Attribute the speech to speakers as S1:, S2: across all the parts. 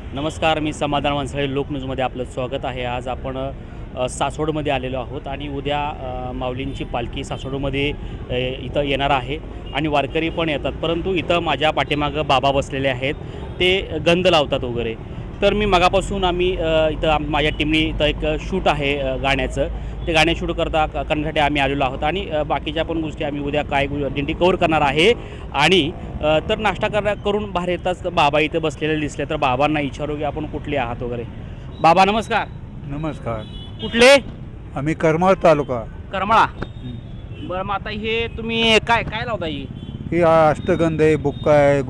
S1: नमस्कार, मी समाधान वंसाळे लोकन्यूजमध्ये आपलं स्वागत आहे. आज आपण सासवडमध्ये आलेलो आहोत आणि उद्या माऊलींची पालखी सासवडमध्ये इथं येणार आहे आणि वारकरी पण येतात. परंतु इथं माझ्या पाठीमागं बाबा बसलेले आहेत, ते गंध लावतात वगैरे. तर मी मगापासून इथं माझ्या टीमने इथं एक शूट आहे गाण्याचं, ते गाणे शूट करण्यासाठी आम्ही आलेलो आहोत आणि बाकीच्या पण गोष्टी आम्ही उद्या काय दिंडी कव्हर करणार आहे. आणि तर नाश्ता करून बाहेर येताच बाबा इथे बसलेले दिसले, तर बाबांना विचारू की आपण कुठले आहात वगैरे. बाबा नमस्कार.
S2: नमस्कार.
S1: कुठले?
S2: आम्ही करमाळ तालुका.
S1: करमाळा. बरं, मग आता हे तुम्ही काय काय लावता
S2: ही अष्टगंध आहे, बुक्का आहे,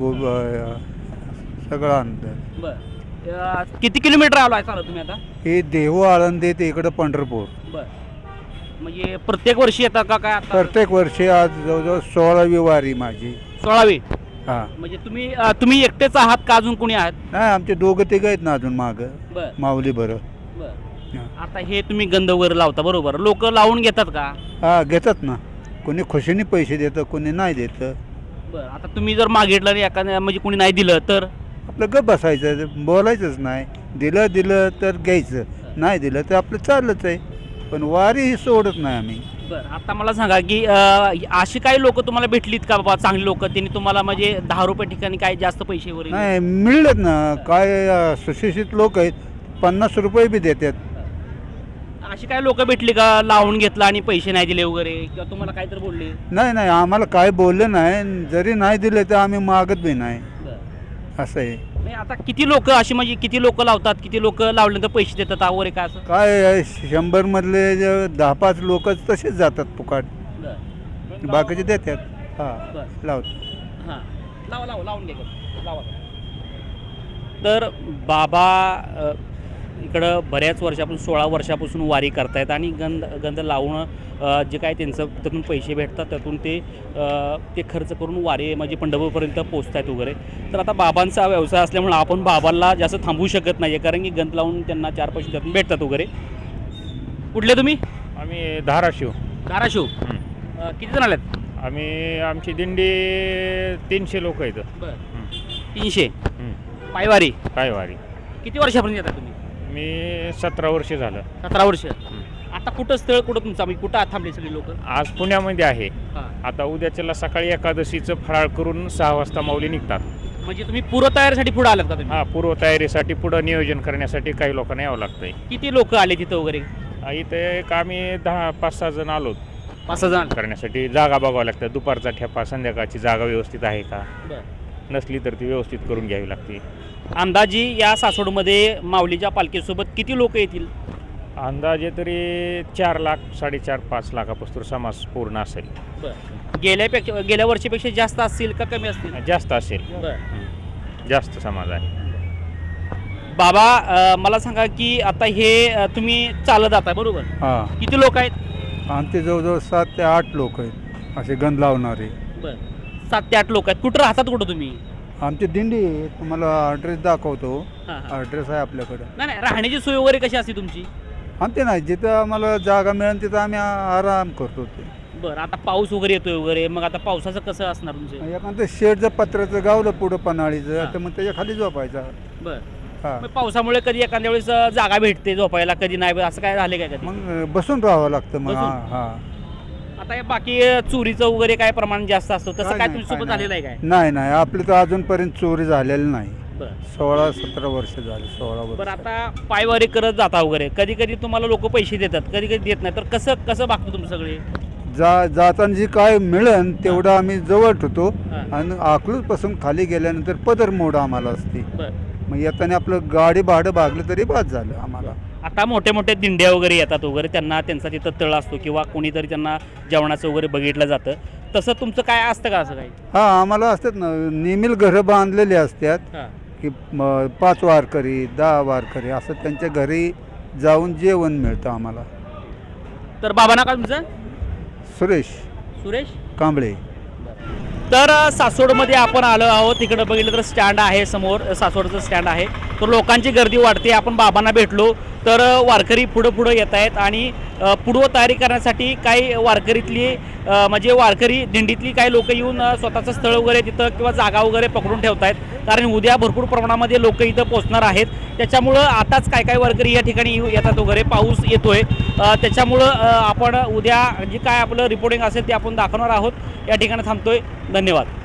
S2: सगळं आणतं.
S1: बरं, किती किलोमीटर आलो चालत तुम्ही आता?
S2: हे देहू आळंदी ते इकडं पंढरपूर.
S1: बरं, म्हणजे प्रत्येक वर्षी येतात का काय आता?
S2: प्रत्येक वर्षी आज जवळजवळ 16वी वारी माझी.
S1: 16वी.
S2: हां.
S1: म्हणजे तुम्ही एकटेच आहात का अजून कोणी आहात?
S2: नाही, आमचे दोघं तिघं आहेत ना अजून मागं.
S1: बरं
S2: माऊली बरं.
S1: बरं.
S2: हां.
S1: आता हे तुम्ही गंध वगैरे लावता बरोबर, लोक लावून घेतात का?
S2: हां, घेतात ना. कोणी खुशीने पैसे देतं, कोणी नाही देतं.
S1: बरं, आता तुम्ही जर मागितलं आणि एखाद्या म्हणजे कोणी नाही दिलं तर?
S2: आपलं गप बसायचं, बोलायचंच नाही. दिलं तर घ्यायचं, नाही दिलं तर आपलं चाललंच आहे. पण वारी ही सोडत नाही आम्ही.
S1: बरं, आता मला सांगा की अशी काही लोक तुम्हाला भेटलीत का बाबा, चांगली लोक, त्यांनी तुम्हाला म्हणजे 10 रुपये ठिकाणी काय जास्त पैसे वगैरे?
S2: नाही, मिळत ना. काय सुशिक्षित लोक आहेत, 50 रुपये बी देतात.
S1: अशी काही लोक भेटली का लावून घेतला आणि पैसे नाही दिले वगैरे, किंवा तुम्हाला काहीतरी बोलले?
S2: नाही, आम्हाला काय बोललं नाही. जरी नाही दिले तर आम्ही मागत बी नाही, असं आहे.
S1: नाही, आता किती लोक अशी म्हणजे किती लोक लावतात, किती लोक लावल्यानंतर पैसे देतात वगैरे काय असं?
S2: काय 100 मधले 10-5 लोक तसेच जातात फुकाट, बाकीचे देतात. हां, लावतात.
S1: हां, लावून घ्या लावा. तर बाबा इकडं बऱ्याच वर्षापासून 16 वर्षापासून वारी करतायत आणि गंध लावणं जे काय त्यांचं त्यातून पैसे भेटतात त्यातून ते खर्च करून वारी म्हणजे पंढरपूरपर्यंत पोचतायत वगैरे. तर आता बाबांचा व्यवसाय असल्यामुळे आपण बाबांना जास्त थांबवू शकत नाही आहे, कारण की गंध लावून त्यांना 4 पैसे त्यातून भेटतात वगैरे. कुठले तुम्ही?
S3: आम्ही धाराशिव.
S1: धाराशिव. किती जण आलेत?
S3: आमची दिंडी 300 लोक आहेत.
S1: बरं, 300 पायवारी.
S3: पायवारी.
S1: किती वर्षापर्यंत येतात तुम्ही?
S3: मी 17 वर्ष झालं.
S1: 17 वर्ष. आता कुठं स्थळ कुठं तुमचं, म्हणजे कुठं थांबले सगळे लोक?
S3: आज पुण्यामध्ये आहे.
S1: हां.
S3: आता उद्याच्याला सकाळी एकादशीचं फराळ करून 6 वाजता माऊली निघतात.
S1: म्हणजे तुम्ही पूर्वतयारीसाठी पुढे आलात का तुम्ही?
S3: हां, पूर्वतयारीसाठी पुढं नियोजन करण्यासाठी काही लोकांना यावं लागतंय.
S1: किती लोक आले तिथं वगैरे?
S3: इथे एक आम्ही 5-6 जण आलो
S1: 5 जण
S3: करण्यासाठी. जागा बघावं लागतं, दुपारचा ठेपा, संध्याकाळची जागा व्यवस्थित आहे का,
S1: बरं.
S3: नसली तर ती व्यवस्थित करून घ्यावी लागते.
S1: अंदाजी या सासवडमध्ये माऊलीच्या पालखीसोबत किती लोक येतील?
S3: अंदाजे तरी 4 लाख, 4.5-5 लाखापासून समाज पूर्ण असेल.
S1: बरं, गेल्या वर्षीपेक्षा जास्त असतील का कमी असतील?
S3: जास्त असेल.
S1: बरं.
S3: जास्त समाज आहे.
S1: बाबा, मला सांगा की आता हे तुम्ही चालत जाताय बरोबर?
S2: हां,
S1: किती लोक आहेत?
S2: आमचे जवळजवळ 7 ते 8 लोक आहेत असे गंध लावणारे.
S1: बरं, 7 ते 8 लोक आहेत. कुठं राहतात कुठं तुम्ही?
S2: आमची दिंडी आहे, तुम्हाला ॲड्रेस दाखवतो.
S1: हां.
S2: ॲड्रेस आहे आपल्याकडं.
S1: नाही, राहण्याची सोय वगैरे कशी असते तुमची?
S2: आमचे नाही, जिथं आम्हाला जागा मिळेल तिथं आम्ही आराम करतो. ते
S1: बरं, आता पाऊस वगैरे येतोय वगैरे, मग आता पावसाचं कसं असणार तुमचं?
S2: एखादं शेडचं पत्र्याचं गावलं पुढं पन्हाळीचं,
S1: हां.
S2: तर मग त्याच्या खाली झोपायचा.
S1: बरं,
S2: हां,
S1: मग पावसामुळे कधी एखाद्या वेळेस जागा भेटते झोपायला, कधी नाही, असं काय झालं काय कधी?
S2: मग बसून राहावं लागतं मग.
S1: बसून?
S2: हां.
S1: आता हे बाकी चोरीचं वगैरे काय प्रमाण जास्त असतं, तसं काय तुमच्यासोबत झालेलं आहे काय?
S2: नाही, आपली तर अजूनपर्यंत चोरी झालेली नाही.
S1: बरं.
S2: 16-17 वर्ष झाली. 16 वर्ष.
S1: बरं, आता पायवारी करत जाता वगैरे, कधी कधी तुम्हाला लोक पैसे देतात, कधी कधी देत नाही, तर कसं बघतो तुम्ही सगळे?
S2: जाताना जी काय मिळेल तेवढं आम्ही जवळ ठेवतो
S1: हां.
S2: आणि अकलूजपासून खाली गेल्यानंतर पदर मोड आम्हाला असते.
S1: बरं,
S2: मग येताना आपलं गाडी भाडं भागलं तरी बाद झालं आम्हाला.
S1: आता मोठे मोठे दिंड्या वगैरे येतात वगैरे, त्यांना त्यांचा तिथं तळ असतो किंवा कोणीतरी त्यांना जेवणाचं वगैरे बघितलं जातं, तसं तुमचं काय असतं का असं काही?
S2: हां, आम्हाला असतात ना, नेहमी घरं बांधलेली असतात
S1: हां.
S2: की 5 वारकरी 10 वारकरी असं त्यांच्या घरी जाऊन जेवण मिळतं आम्हाला.
S1: तर बाबा ना का तुमचं?
S2: सुरेश
S1: सुरेश
S2: कांबळे.
S1: तर सासवडमध्ये आपण आलो आहोत. तिकडं बघितलं तर स्टँड आहे, समोर सासवडचं स्टँड आहे. तर लोकांची गर्दी वाढते. आपण बाबांना भेटलो तर वारकरी पुढं येत आहेत आणि पूर्वतयारी करण्यासाठी काही वारकरीतली म्हणजे वारकरी दिंडीतली काही लोक येऊन स्वतःचं स्थळ वगैरे तिथं किंवा जागा वगैरे पकडून ठेवत आहेत. कारण उद्या भरपूर प्रमाणामध्ये लोक इथं पोहोचणार आहेत. त्याच्यामुळं आताच काय वारकरी या ठिकाणी येतात वगैरे, पाऊस येतोय. त्याच्यामुळं आपण उद्या जे काय आपलं रिपोर्टिंग असेल ते आपण दाखवणार आहोत. या ठिकाणी थांबतोय. धन्यवाद.